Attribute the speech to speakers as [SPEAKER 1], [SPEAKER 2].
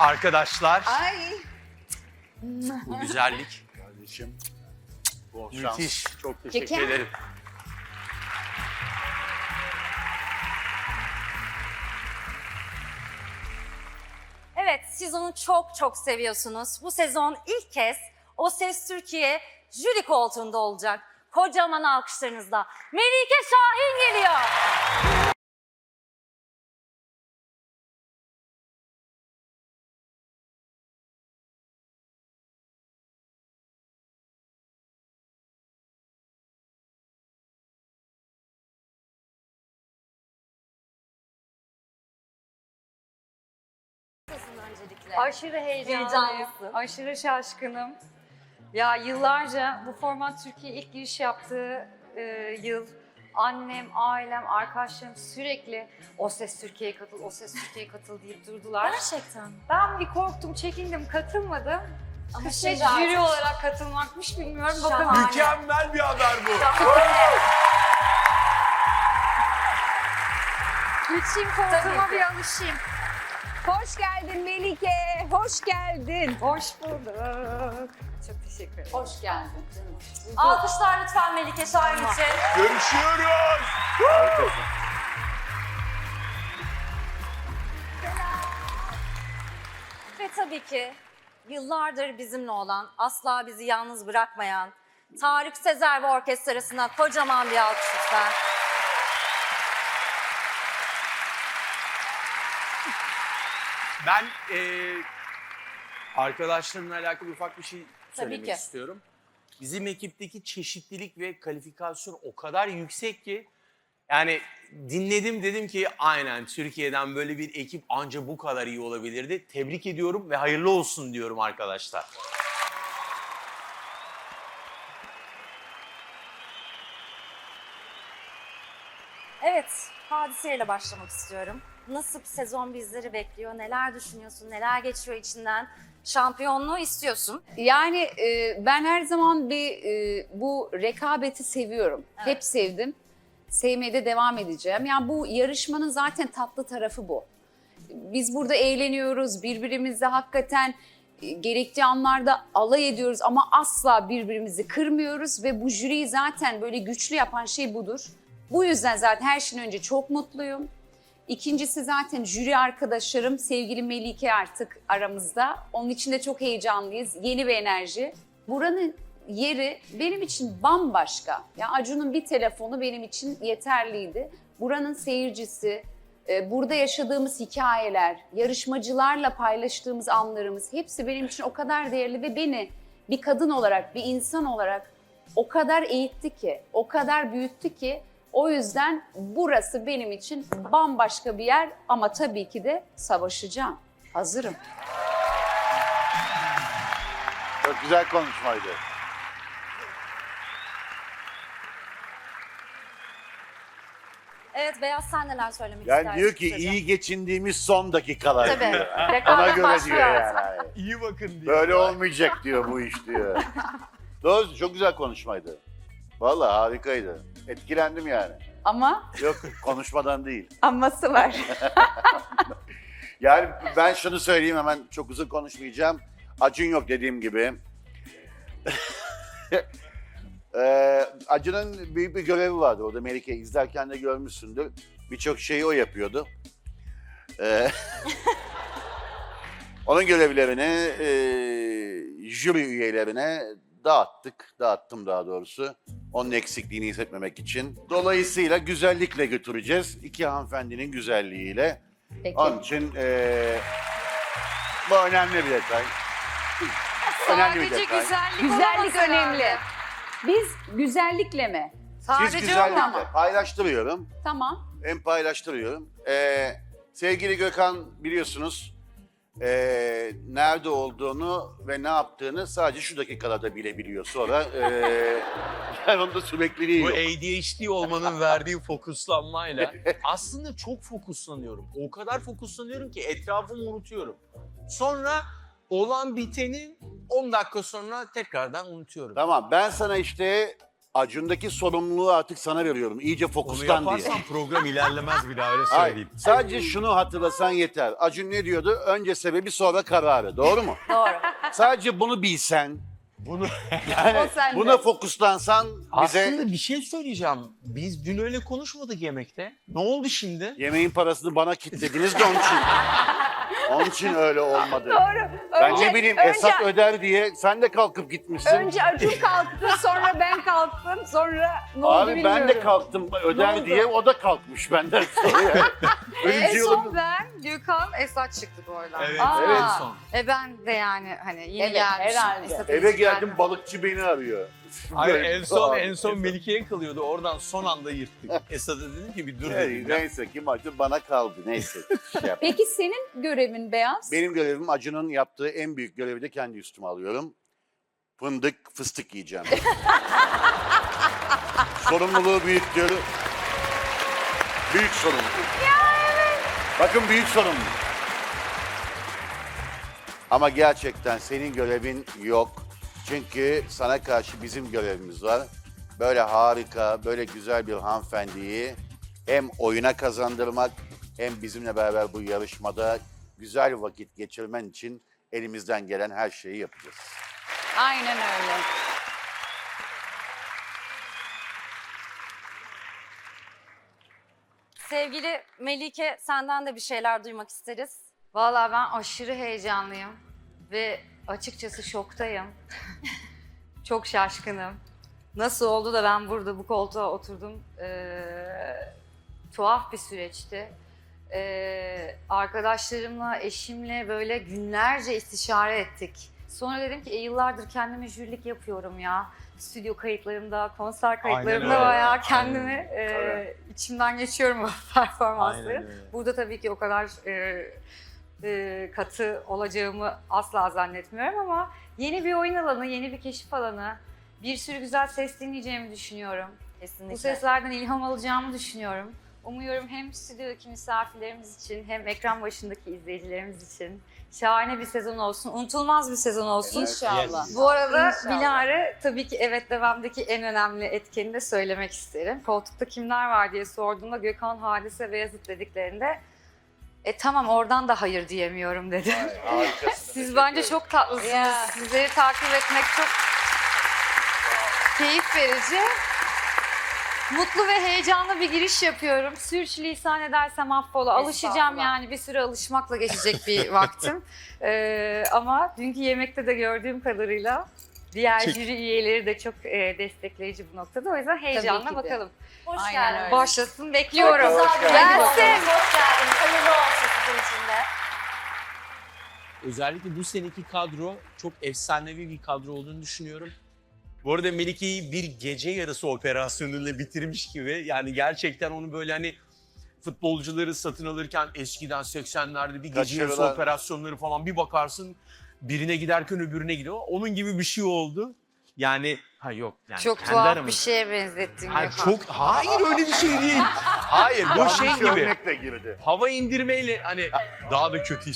[SPEAKER 1] Arkadaşlar,
[SPEAKER 2] Ay.
[SPEAKER 1] bu güzellik
[SPEAKER 3] Kardeşim. Bol şans.
[SPEAKER 1] müthiş. Çok teşekkür
[SPEAKER 2] Peki.
[SPEAKER 1] ederim.
[SPEAKER 4] Evet, siz onu çok çok seviyorsunuz. Bu sezon ilk kez O Ses Türkiye jüri koltuğunda olacak. Kocaman alkışlarınızla Melike Şahin geliyor. Öncelikle.
[SPEAKER 5] Aşırı heyecanlıyım.
[SPEAKER 4] Heyecanlısın.
[SPEAKER 5] Aşırı şaşkınım. Ya yıllarca bu format Türkiye ilk giriş yaptığı yıl annem, ailem, arkadaşlarım sürekli O Ses Türkiye'ye katıl, O Ses Türkiye'ye katıl deyip durdular.
[SPEAKER 4] Gerçekten.
[SPEAKER 5] Ben bir korktum, çekindim, katılmadım.
[SPEAKER 4] Ama
[SPEAKER 5] Kısmet
[SPEAKER 4] şimdi
[SPEAKER 5] jüri
[SPEAKER 4] artık-
[SPEAKER 5] olarak katılmakmış bilmiyorum.
[SPEAKER 4] Şahane.
[SPEAKER 5] Bakalım.
[SPEAKER 3] Mükemmel bir haber bu.
[SPEAKER 5] Geçeyim koltuğuma bir alışayım.
[SPEAKER 2] Hoş geldin Melike. Hoş geldin.
[SPEAKER 5] Hoş bulduk. Çok teşekkür ederim.
[SPEAKER 4] Hoş geldin. Alkışlar lütfen Melike Şahin için.
[SPEAKER 3] Görüşüyoruz.
[SPEAKER 4] Ve tabii ki yıllardır bizimle olan, asla bizi yalnız bırakmayan Tarık Sezer ve orkestrasına kocaman bir alkış lütfen.
[SPEAKER 1] Ben arkadaşlarımla alakalı ufak bir şey söylemek
[SPEAKER 4] ki.
[SPEAKER 1] istiyorum. Bizim ekipteki çeşitlilik ve kalifikasyon o kadar yüksek ki yani dinledim dedim ki aynen Türkiye'den böyle bir ekip anca bu kadar iyi olabilirdi. Tebrik ediyorum ve hayırlı olsun diyorum arkadaşlar.
[SPEAKER 4] Evet, hadiseyle başlamak istiyorum. Nasıl bir sezon bizleri bekliyor, neler düşünüyorsun, neler geçiyor içinden? Şampiyonluğu istiyorsun.
[SPEAKER 2] Yani ben her zaman bu rekabeti seviyorum.
[SPEAKER 4] Evet.
[SPEAKER 2] Hep sevdim. Sevmeye de devam edeceğim. Yani bu yarışmanın zaten tatlı tarafı bu. Biz burada eğleniyoruz, birbirimizle hakikaten gerektiği anlarda alay ediyoruz ama asla birbirimizi kırmıyoruz ve bu jüriyi zaten böyle güçlü yapan şey budur. Bu yüzden zaten her şeyden önce çok mutluyum. İkincisi zaten jüri arkadaşlarım, sevgili Melike artık aramızda. Onun için de çok heyecanlıyız. Yeni bir enerji. Buranın yeri benim için bambaşka. Ya Acun'un bir telefonu benim için yeterliydi. Buranın seyircisi, burada yaşadığımız hikayeler, yarışmacılarla paylaştığımız anlarımız hepsi benim için o kadar değerli ve beni bir kadın olarak, bir insan olarak o kadar eğitti ki, o kadar büyüttü ki o yüzden burası benim için bambaşka bir yer ama tabii ki de savaşacağım. Hazırım.
[SPEAKER 3] Çok güzel konuşmaydı.
[SPEAKER 4] Evet, Beyaz sen neler söylemek
[SPEAKER 3] Yani
[SPEAKER 4] istersin?
[SPEAKER 3] diyor ki
[SPEAKER 4] kısaca?
[SPEAKER 3] iyi geçindiğimiz son dakikalar
[SPEAKER 4] Tabii.
[SPEAKER 3] diyor. Ona
[SPEAKER 4] Rekabet
[SPEAKER 3] göre
[SPEAKER 4] başlıyor
[SPEAKER 3] diyor
[SPEAKER 4] artık.
[SPEAKER 3] yani.
[SPEAKER 1] İyi bakın diyor.
[SPEAKER 3] Böyle olmayacak diyor bu iş diyor. Doğru, çok güzel konuşmaydı. Vallahi harikaydı. Etkilendim yani.
[SPEAKER 2] Ama
[SPEAKER 3] Yok konuşmadan değil.
[SPEAKER 2] aması var.
[SPEAKER 3] Yani ben şunu söyleyeyim hemen çok uzun konuşmayacağım. Acun yok dediğim gibi. Acun'un büyük bir görevi vardı orada Melike izlerken de görmüşsündür. Birçok şeyi o yapıyordu. Onun görevlerini jüri üyelerine dağıttım daha doğrusu. Onun eksikliğini hissetmemek için. Dolayısıyla güzellikle götüreceğiz. İki hanımefendinin güzelliğiyle.
[SPEAKER 2] Peki.
[SPEAKER 3] Onun için bu önemli bir detay. Önemli bir
[SPEAKER 5] Sadece
[SPEAKER 3] detay.
[SPEAKER 5] güzellik,
[SPEAKER 2] Güzellik
[SPEAKER 5] olamaz
[SPEAKER 2] önemli.
[SPEAKER 5] herhalde.
[SPEAKER 2] Biz güzellikle mi?
[SPEAKER 3] Siz
[SPEAKER 5] Sadece
[SPEAKER 3] güzellikle
[SPEAKER 5] ama.
[SPEAKER 3] paylaştırıyorum.
[SPEAKER 2] Tamam.
[SPEAKER 3] Hem paylaştırıyorum. Sevgili Gökhan biliyorsunuz nerede olduğunu ve ne yaptığını sadece şu dakikalarda bilebiliyor. Sonra yani onda sürekliliği
[SPEAKER 1] Bu
[SPEAKER 3] yok.
[SPEAKER 1] ADHD olmanın verdiği fokuslanmayla aslında çok fokuslanıyorum. O kadar fokuslanıyorum ki etrafımı unutuyorum. Sonra olan biteni 10 dakika sonra tekrardan unutuyorum.
[SPEAKER 3] Tamam ben sana işte Acun'daki sorumluluğu artık sana veriyorum. İyice
[SPEAKER 1] Onu
[SPEAKER 3] fokuslan diye.
[SPEAKER 1] yaparsan program ilerlemez bir daha öyle
[SPEAKER 3] Hayır,
[SPEAKER 1] söyleyeyim.
[SPEAKER 3] sadece şunu hatırlasan yeter. Acun ne diyordu? Önce sebebi sonra kararı. Doğru mu?
[SPEAKER 4] Doğru.
[SPEAKER 3] Sadece bunu bilsen,
[SPEAKER 1] Bunu
[SPEAKER 3] yani
[SPEAKER 2] O sende.
[SPEAKER 3] buna fokuslansan bize
[SPEAKER 1] aslında bir şey söyleyeceğim. Biz dün öyle konuşmadık yemekte. Ne oldu şimdi?
[SPEAKER 3] yemeğin parasını bana kilitlediniz de onun için. Onun için öyle olmadı.
[SPEAKER 2] Doğru.
[SPEAKER 3] Ben ne bileyim Esat öder diye sen de kalkıp gitmişsin.
[SPEAKER 2] Önce Acun kalktı, sonra ben kalktım, sonra ne oldu
[SPEAKER 3] Abi
[SPEAKER 2] bilmiyorum.
[SPEAKER 3] ben de kalktım
[SPEAKER 2] Ne
[SPEAKER 3] öder
[SPEAKER 2] oldu?
[SPEAKER 3] diye o da kalkmış benden sonra. ya. Öyle bir
[SPEAKER 5] En
[SPEAKER 3] şey
[SPEAKER 5] son
[SPEAKER 3] olabilir.
[SPEAKER 5] ben, Gökhan, Esat çıktı bu arada.
[SPEAKER 1] Evet,
[SPEAKER 2] Aa.
[SPEAKER 1] evet. En son.
[SPEAKER 5] Ben de yani hani yeni
[SPEAKER 2] Evet,
[SPEAKER 5] gelmişim.
[SPEAKER 2] herhalde.
[SPEAKER 5] Esat'ın
[SPEAKER 3] Eve
[SPEAKER 5] hiç
[SPEAKER 3] geldim
[SPEAKER 5] gelmedi.
[SPEAKER 3] balıkçı beni arıyor.
[SPEAKER 1] Hayır
[SPEAKER 3] Böyle-
[SPEAKER 1] en son Melike'ye kalıyordu. Oradan son anda yırttık. Esat'a dedim ki bir dur
[SPEAKER 3] Evet,
[SPEAKER 1] dedim.
[SPEAKER 3] neyse kim acı bana kaldı neyse. Şey yap.
[SPEAKER 2] Peki senin görevin Beyaz?
[SPEAKER 3] Benim görevim Acun'un yaptığı en büyük görevi de kendi üstüme alıyorum. Fındık, fıstık yiyeceğim. Sorumluluğu büyük diyorum. Büyük sorumluluk. Bakın büyük sorumluluk. Ama gerçekten senin görevin yok. Çünkü sana karşı bizim görevimiz var. Böyle harika, böyle güzel bir hanımefendiyi hem oyuna kazandırmak hem bizimle beraber bu yarışmada güzel vakit geçirmen için elimizden gelen her şeyi yapacağız.
[SPEAKER 2] Aynen öyle.
[SPEAKER 4] Sevgili Melike, senden de bir şeyler duymak isteriz.
[SPEAKER 5] Vallahi ben aşırı heyecanlıyım ve açıkçası şoktayım. Çok şaşkınım. Nasıl oldu da ben burada bu koltuğa oturdum? Tuhaf bir süreçti. Arkadaşlarımla, eşimle böyle günlerce istişare ettik. Sonra dedim ki yıllardır kendime jürilik yapıyorum ya. Stüdyo kayıtlarımda, konser kayıtlarımda
[SPEAKER 1] öyle.
[SPEAKER 5] bayağı kendimi
[SPEAKER 3] Tabii.
[SPEAKER 5] içimden geçiyorum bu performansları.
[SPEAKER 1] Aynen öyle.
[SPEAKER 5] Burada tabii ki o kadar katı olacağımı asla zannetmiyorum ama yeni bir oyun alanı, yeni bir keşif alanı, bir sürü güzel ses dinleyeceğimi düşünüyorum.
[SPEAKER 4] Kesinlikle.
[SPEAKER 5] Bu seslerden ilham alacağımı düşünüyorum. Umuyorum hem stüdyodaki misafirlerimiz için hem ekran başındaki izleyicilerimiz için şahane bir sezon olsun, unutulmaz bir sezon olsun.
[SPEAKER 2] İnşallah.
[SPEAKER 5] Bu arada
[SPEAKER 2] İnşallah.
[SPEAKER 5] Bilal'e tabii ki evet devamdaki en önemli etkeni de söylemek isterim. Koltukta kimler var diye sorduğumda Gökhan, Hadise ve Yazıt dediklerinde tamam oradan da hayır diyemiyorum dedim.
[SPEAKER 3] Harikasın.
[SPEAKER 5] Siz bence çok tatlısınız.
[SPEAKER 2] Ya.
[SPEAKER 5] Sizleri takip etmek çok keyif verici. Mutlu ve heyecanlı bir giriş yapıyorum. Sürçülisan edersem affola. Alışacağım
[SPEAKER 4] Estağfurullah.
[SPEAKER 5] yani bir süre alışmakla geçecek bir vaktim. Ama dünkü yemekte de gördüğüm kadarıyla diğer jüri üyeleri de çok destekleyici bu noktada. O yüzden heyecanla
[SPEAKER 2] ki de.
[SPEAKER 5] bakalım.
[SPEAKER 4] Hoş
[SPEAKER 2] Aynen
[SPEAKER 4] geldin.
[SPEAKER 2] öyle.
[SPEAKER 5] Başlasın bekliyorum.
[SPEAKER 4] Çok güzel bir
[SPEAKER 3] Gelsin.
[SPEAKER 4] yayın oldu. Hoş geldiniz. Hayırlı olsun sizin için de.
[SPEAKER 1] Özellikle bu seneki kadro çok efsanevi bir kadro olduğunu düşünüyorum. Bu arada Melike'yi bir gece yarısı operasyonuyla bitirmiş gibi. Yani gerçekten onu böyle hani futbolcuları satın alırken eskiden 80'lerde bir gece yarısı
[SPEAKER 3] Kaçırılan.
[SPEAKER 1] operasyonları falan bir bakarsın birine giderken öbürüne gidiyor. Onun gibi bir şey oldu. Yani ha yok yani
[SPEAKER 5] Çok
[SPEAKER 1] kendi
[SPEAKER 5] tuhaf
[SPEAKER 1] aramızda.
[SPEAKER 5] bir şeye benzettin
[SPEAKER 1] Ha,
[SPEAKER 5] Gökhan.
[SPEAKER 1] hayır öyle bir şey değil. Hayır bu
[SPEAKER 3] Yanlış
[SPEAKER 1] şey gibi.
[SPEAKER 3] örnekle girdi.
[SPEAKER 1] Hava indirmeyle hani daha da kötü